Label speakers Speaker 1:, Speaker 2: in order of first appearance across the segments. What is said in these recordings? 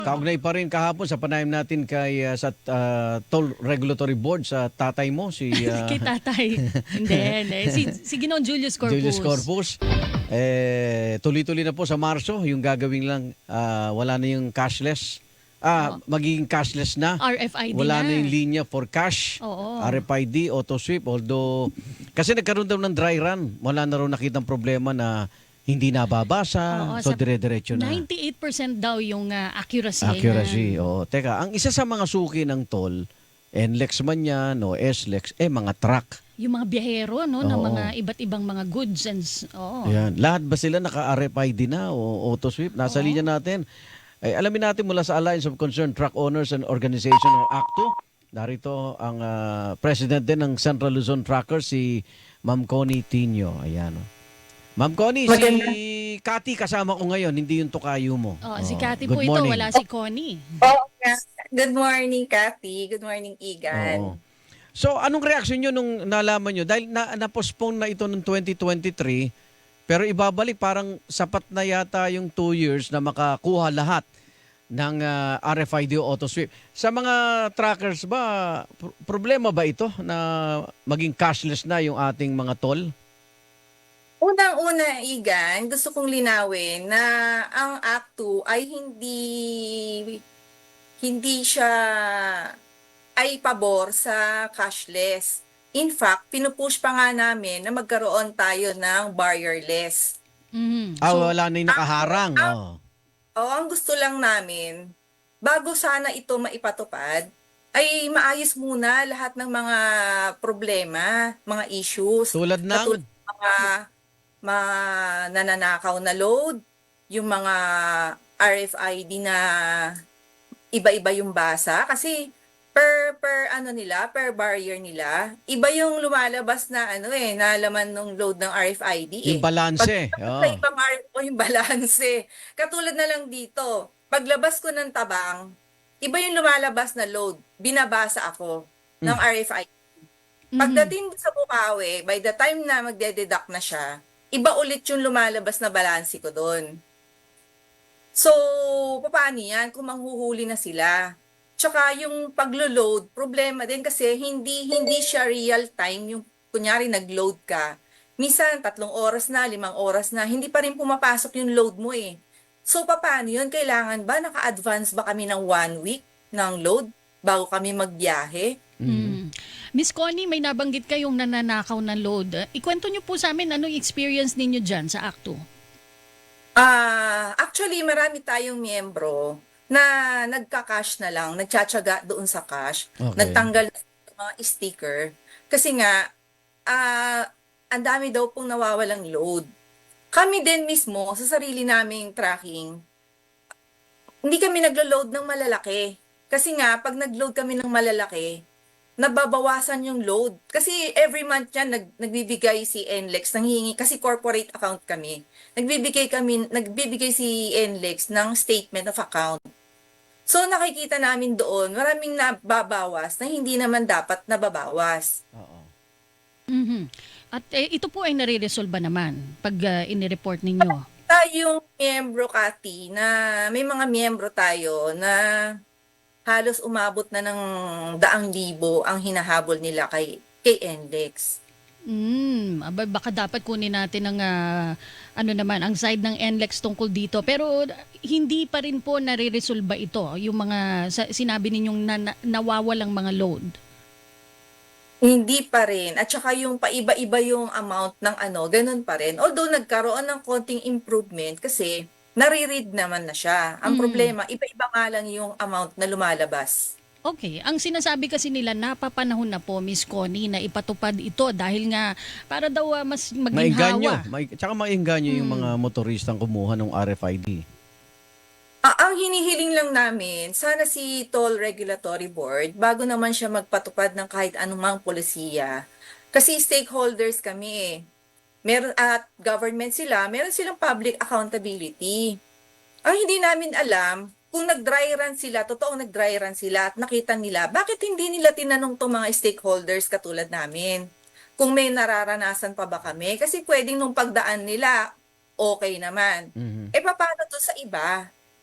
Speaker 1: Kaugnay pa rin kahapon sa panayam natin kay sa Toll Regulatory Board sa tatay mo si
Speaker 2: Kay tatay. Hindi, hindi. Si Ginoong Julius Corpus.
Speaker 1: Julius Corpus. Tuloy-tuloy na po sa Marso yung gagawin lang wala na yung cashless. Magiging cashless na.
Speaker 2: RFID
Speaker 1: Wala
Speaker 2: na.
Speaker 1: na yung linya for cash.
Speaker 2: Oo.
Speaker 1: RFID, auto sweep. Although, kasi nagkaroon daw ng dry run. Wala na raw nakitang problema na hindi nababasa.
Speaker 2: Oo,
Speaker 1: So,
Speaker 2: sa
Speaker 1: dire-diretso na.
Speaker 2: 98% daw yung accuracy.
Speaker 1: Accuracy.
Speaker 2: niya.
Speaker 1: Oo. Teka, ang isa sa mga suki ng toll, NLEX man yan o SLEX, mga truck.
Speaker 2: Yung mga biyahero, no, ng
Speaker 1: Oo.
Speaker 2: mga iba't ibang mga goods and
Speaker 1: Yan. Lahat ba sila naka-RFID na o auto sweep? Nasa
Speaker 2: Oo.
Speaker 1: linya natin. Ay, alamin natin mula sa Alliance of Concerned Truck Owners and Organization o ACTO. Narito ang president din ng Central Luzon Truckers, si Ma'am Connie Tinio. Ayan. Ma'am Connie, si Cathy kasama ko ngayon, hindi yung tukayo mo.
Speaker 2: si Cathy
Speaker 1: good
Speaker 2: po ito,
Speaker 1: morning.
Speaker 2: wala si Connie.
Speaker 3: Oo nga. Good morning, Kathy. Good morning, Igan.
Speaker 1: Oo. So, anong reaksyon nyo nung nalaman nyo? Dahil na-postpone na ito noong 2023, pero ibabalik parang sapat na yata yung 2 years na makakuha lahat ng RFID o auto sweep. Sa mga trackers ba, problema ba ito na maging cashless na yung ating mga toll?
Speaker 3: Unang-una, Igan, gusto kong linawin na ang Act 2 ay hindi siya ay pabor sa cashless. In fact, pinupush pa nga namin na magkaroon tayo ng barrierless.
Speaker 2: Mhm.
Speaker 1: Wala na yung nakaharang.
Speaker 3: Ang gusto lang namin, bago sana ito maipatupad, ay maayos muna lahat ng mga problema, mga issues.
Speaker 1: Tulad ng?
Speaker 3: Katulad ng mga nananakaw na load, yung mga RFID na iba-iba yung basa. Kasi per barrier nila, iba yung lumalabas na na laman ng load ng RFID
Speaker 1: Yung balanse.
Speaker 3: Sa ibang yung balanse. Katulad na lang dito, paglabas ko ng tabang, iba yung lumalabas na load. Binabasa ako ng RFID. Pagdating sa Bukawi, by the time na magde-deduct na siya, iba ulit yung lumalabas na balanse ko doon. So, paano yan kung manghuhuli na sila? Tsaka yung paglo-load, problema din kasi hindi siya real time. Yung kunyari nag-load ka, minsan 3 oras na, 5 oras na, hindi pa rin pumapasok yung load mo eh. So, paano yun? Kailangan ba naka-advance ba kami ng 1 week ng load bago kami magbiyahe?
Speaker 2: Miss Connie, may nabanggit kayong nananakaw na load. Ikwento niyo po sa amin anong experience ninyo dyan sa ACTO.
Speaker 3: Actually, marami tayong miyembro na nagka-cash na lang, nagtsatsaga doon sa cash,
Speaker 1: Okay.
Speaker 3: nagtanggal ng mga sticker. Kasi nga, ang dami daw pong nawawalang load. Kami din mismo, sa sarili naming tracking, hindi kami naglo-load ng malalaki. Kasi nga, pag nag-load kami ng malalaki, nababawasan yung load. Kasi every month yan, nagbibigay si NLEX, nanghihingi, kasi corporate account kami. Nagbibigay si NLEX ng statement of account. So nakikita namin doon, maraming nababawas na hindi naman dapat nababawas.
Speaker 1: Oo.
Speaker 2: Mhm. At ito po ay nare-resolve naman pag inireport ninyo.
Speaker 3: Tayong miyembro, Kati, na may mga miyembro tayo na halos umabot na ng 100,000 ang hinahabol nila kay NLEX.
Speaker 2: Baka dapat kunin natin ang ang side ng NLEX tungkol dito. Pero hindi pa rin po nare-resolve ito, yung mga sinabi ninyong nawawalang mga load.
Speaker 3: Hindi pa rin. At saka yung paiba-iba yung amount ng ganun pa rin. Although nagkaroon ng konting improvement kasi nare-read naman na siya. Ang problema, iba-iba nga lang yung amount na lumalabas.
Speaker 2: Okay. Ang sinasabi kasi nila, napapanahon na po, Miss Connie, na ipatupad ito dahil nga para daw mas maging hawa.
Speaker 1: Tsaka maingganyo yung mga motoristang kumuha ng RFID.
Speaker 3: Ang hinihiling lang namin, sana si Toll Regulatory Board, bago naman siya magpatupad ng kahit anumang polisiya, kasi stakeholders kami eh. At government sila, meron silang public accountability. Ang hindi namin alam, kung nag-dry run sila, totoong nag-dry run sila at nakita nila, bakit hindi nila tinanong itong mga stakeholders katulad namin? Kung may nararanasan pa ba kami? Kasi pwedeng nung pagdaan nila, okay naman. Paano to sa iba?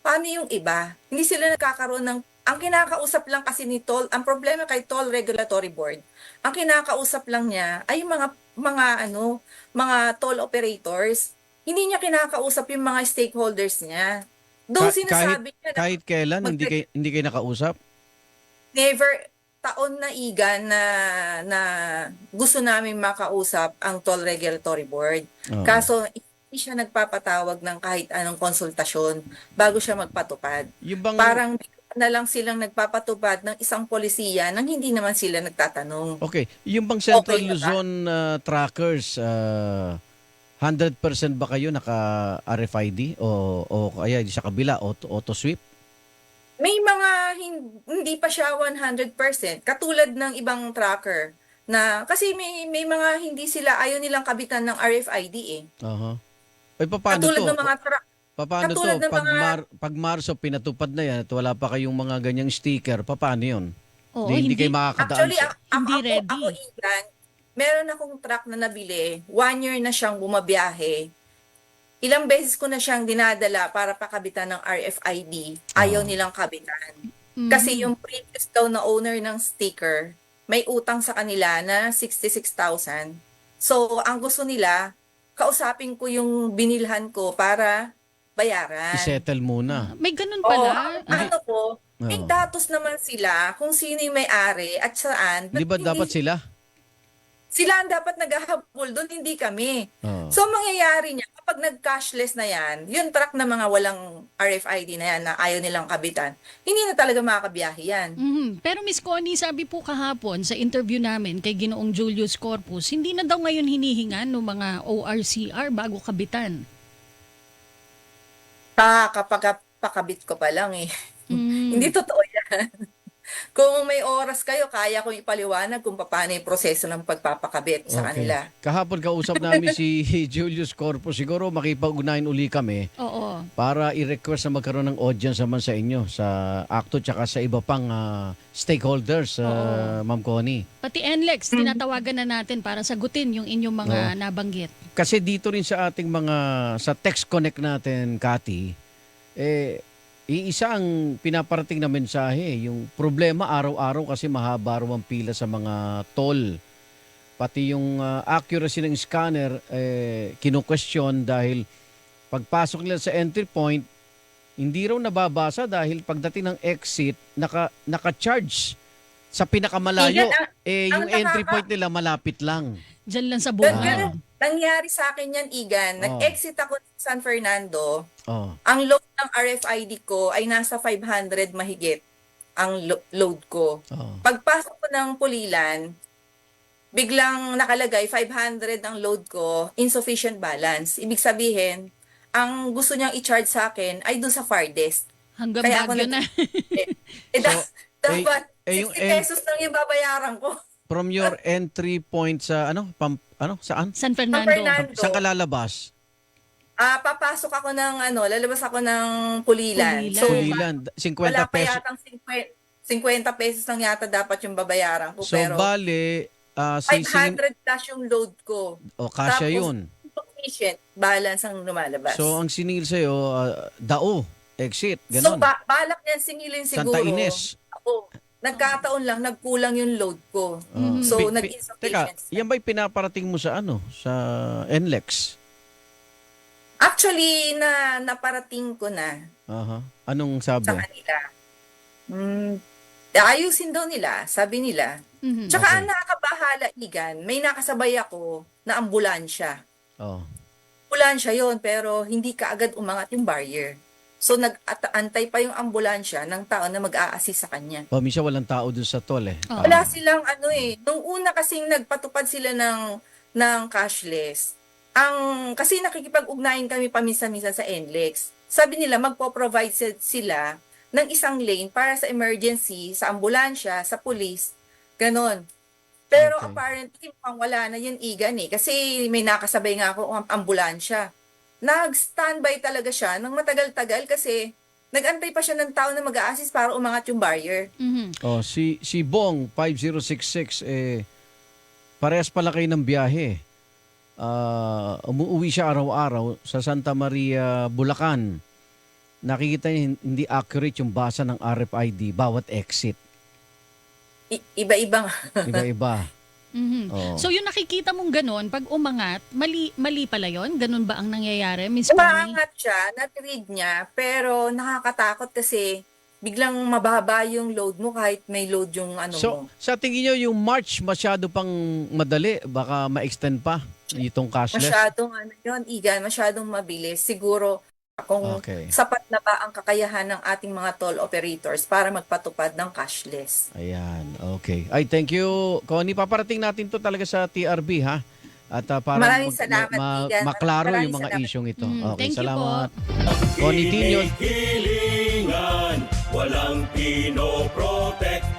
Speaker 3: paano yung iba? Hindi sila nagkakaroon ng, ang kinakausap lang kasi ni Toll, ang problema kay Toll Regulatory Board, ang kinakausap lang niya ay yung mga toll operators. Hindi niya kinakausap yung mga stakeholders niya. Doon
Speaker 1: Kahit,
Speaker 3: sinasabi niya na
Speaker 1: kahit kailan, hindi kayo nakausap?
Speaker 3: never taon na igan na gusto namin makausap ang Toll Regulatory Board.
Speaker 1: Oo.
Speaker 3: Kaso hindi siya nagpapatawag ng kahit anong konsultasyon bago siya magpatupad.
Speaker 1: Yung bang,
Speaker 3: Parang na lang silang nagpapatupad ng isang polisiya nang hindi naman sila nagtatanong.
Speaker 1: okay, yung bang Central
Speaker 3: Okay na ba?
Speaker 1: Luzon trackers, 100% ba kayo naka-RFID o kaya sa kabila, auto sweep?
Speaker 3: May mga hindi pa siya 100%, katulad ng ibang tracker na kasi may mga hindi sila ayaw nilang kabitan ng RFID eh.
Speaker 1: Aha. Ay, paano
Speaker 3: Katulad
Speaker 1: to?
Speaker 3: ng mga
Speaker 1: Paano to?
Speaker 3: katulad ng
Speaker 1: Pag Marso pinatupad na yan at wala pa kayong mga ganyang sticker, paano yun?
Speaker 2: Oo,
Speaker 1: Hindi
Speaker 2: hindi.
Speaker 1: kayo makakadaan
Speaker 3: actually
Speaker 1: sa...
Speaker 2: Hindi ready.
Speaker 3: Ako Igan, meron akong truck na nabili, 1 year na siyang bumabiyahe. Ilang beses ko na siyang dinadala para pakabitan ng RFID. Ayaw nilang kabitan. Kasi yung previous daw na owner ng sticker, may utang sa kanila na 66,000. So, ang gusto nila, kausapin ko yung binilhan ko para bayaran.
Speaker 1: I-settle muna.
Speaker 2: May ganun
Speaker 3: Oo,
Speaker 2: pala.
Speaker 3: ano ko, may
Speaker 1: Oo.
Speaker 3: datos naman sila kung sino yung may-ari at saan.
Speaker 1: Di ba dapat sila?
Speaker 3: Sila ang dapat naghahabol doon, hindi kami.
Speaker 1: Oo.
Speaker 3: So, ang mangyayari niya, kapag nag-cashless na yan, yung truck na mga walang RFID na yan na ayaw nilang kabitan, hindi na talaga makakabiyahe yan.
Speaker 2: Pero Miss Connie, sabi po kahapon sa interview namin kay Ginoong Julius Corpus, hindi na daw ngayon hinihingan ng mga ORCR bago kabitan.
Speaker 3: Kapag pakabit ko pa lang eh. Hindi totoo yan. Kung may oras kayo, kaya kong ipaliwanag kung paano yung proseso ng pagpapakabit sa kanila.
Speaker 1: Kahapon kausap namin si Julius Corpus. Siguro makipag-ugnayan uli kami
Speaker 2: Oo.
Speaker 1: para i-request na magkaroon ng audience naman sa inyo, sa ACTO tsaka sa iba pang stakeholders, Ma'am Connie.
Speaker 2: Pati NLEX, tinatawagan na natin para sagutin yung inyong mga nabanggit.
Speaker 1: Kasi dito rin sa ating sa text connect natin, Cathy, iisa ang pinaparating na mensahe, yung problema araw-araw kasi mahaba raw ang pila sa mga toll. Pati yung accuracy ng scanner, kinu-question dahil pagpasok nila sa entry point, hindi raw nababasa dahil pagdating ng exit, naka-charge sa pinakamalayo. Yung entry point nila malapit lang.
Speaker 2: Diyan lang sa
Speaker 3: Ganun,
Speaker 2: buwan.
Speaker 3: nangyari sa akin yan, Igan. Nag-exit ako sa San Fernando.
Speaker 1: Oh.
Speaker 3: Ang load ng RFID ko ay nasa 500 mahigit ang load ko.
Speaker 1: Oh.
Speaker 3: Pagpasok ko ng Pulilan, biglang nakalagay 500 ang load ko, insufficient balance. Ibig sabihin, ang gusto niyang i-charge sa akin ay dun sa farthest.
Speaker 2: Hanggang
Speaker 3: Kaya ako
Speaker 2: Baguio na.
Speaker 3: dapat
Speaker 1: yung
Speaker 3: 60 pesos lang yung babayaran ko.
Speaker 1: From your entry point sa saan?
Speaker 2: San Fernando.
Speaker 3: Fernando.
Speaker 1: Saan ka lalabas?
Speaker 3: Papasok ako ng lalabas ako ng Pulilan.
Speaker 2: Pulilan.
Speaker 3: So,
Speaker 1: Pulilan, 50
Speaker 3: wala pa
Speaker 1: pesos.
Speaker 3: yatang 50 pesos lang yata dapat yung babayaran ko.
Speaker 1: So,
Speaker 3: pero
Speaker 1: bale,
Speaker 3: 500 plus yung load ko.
Speaker 1: kasya
Speaker 3: Tapos,
Speaker 1: yun.
Speaker 3: Sufficient balance ang lumalabas.
Speaker 1: So, ang siningil sa'yo, dao, exit,
Speaker 3: So,
Speaker 1: ganon.
Speaker 3: balak niyan singilin siguro.
Speaker 1: Santa Ines.
Speaker 3: Ako, nagkataon lang, nagkulang yung load ko. So,
Speaker 1: Teka,
Speaker 3: nag-insufficient.
Speaker 1: yan ba'y pinaparating mo sa sa NLEX?
Speaker 3: Actually, naparating ko na
Speaker 1: Aha. Anong sabi?
Speaker 3: sa kanila. Ayusin daw nila, sabi nila. Tsaka
Speaker 1: Okay.
Speaker 3: ang nakakabahala, Igan, may nakasabay ako na ambulansya.
Speaker 1: Oh.
Speaker 3: Ambulansya yon pero hindi kaagad umangat yung barrier. So nag-antay pa yung ambulansya ng tao na mag-a-assist sa kanya.
Speaker 1: Oh, minsan walang tao dun sa toll eh.
Speaker 2: Oo.
Speaker 3: Wala silang nung una kasing nagpatupad sila ng cashless. Kasi nakikipag-ugnayan kami paminsan-minsan sa NLEX. Sabi nila magpo-provide sila ng isang lane para sa emergency, sa ambulansya, sa police, ganon. Pero
Speaker 1: Okay.
Speaker 3: apparently mukhang wala na yun, Igan kasi may nakasabay nga ako ang ambulansya. Nag-standby talaga siya ng matagal-tagal kasi nag-antay pa siya ng tao na mag-a-assist para umangat yung barrier.
Speaker 1: Oh, si Bong 5066 parehas pala kayo ng biyahe. Umuwi siya araw-araw sa Santa Maria, Bulacan. nakikita niyo hindi accurate yung basa ng RFID bawat exit.
Speaker 3: Iba-ibang.
Speaker 1: Iba-iba.
Speaker 2: Mhm.
Speaker 1: Oo.
Speaker 2: So yung nakikita mong ganun, pag umangat, mali pala yon? Ganun ba ang nangyayari, Miss Connie?
Speaker 3: Umaangat siya, na-read niya, pero nakakatakot kasi biglang mababa yung load mo kahit may load yung ano mo.
Speaker 1: So, sa tingin niyo yung March masyado pang madali, baka ma-extend pa itong cashless?
Speaker 3: Masyadong ano yun, Igan, masyadong mabilis. Siguro kung
Speaker 1: Okay.
Speaker 3: sapat na ba ang kakayahan ng ating mga toll operators para magpatupad ng cashless.
Speaker 1: Ayan, okay. Ay, thank you, Connie. Paparating natin to talaga sa TRB, ha? At para
Speaker 3: Maraming salamat, Igan.
Speaker 1: maklaro
Speaker 3: Maraming
Speaker 1: yung mga
Speaker 3: salamat.
Speaker 1: isyong ito.
Speaker 2: Mm,
Speaker 1: Okay,
Speaker 2: thank you
Speaker 1: salamat. Connie Tino.
Speaker 4: Hilingan, walang pinoprotek.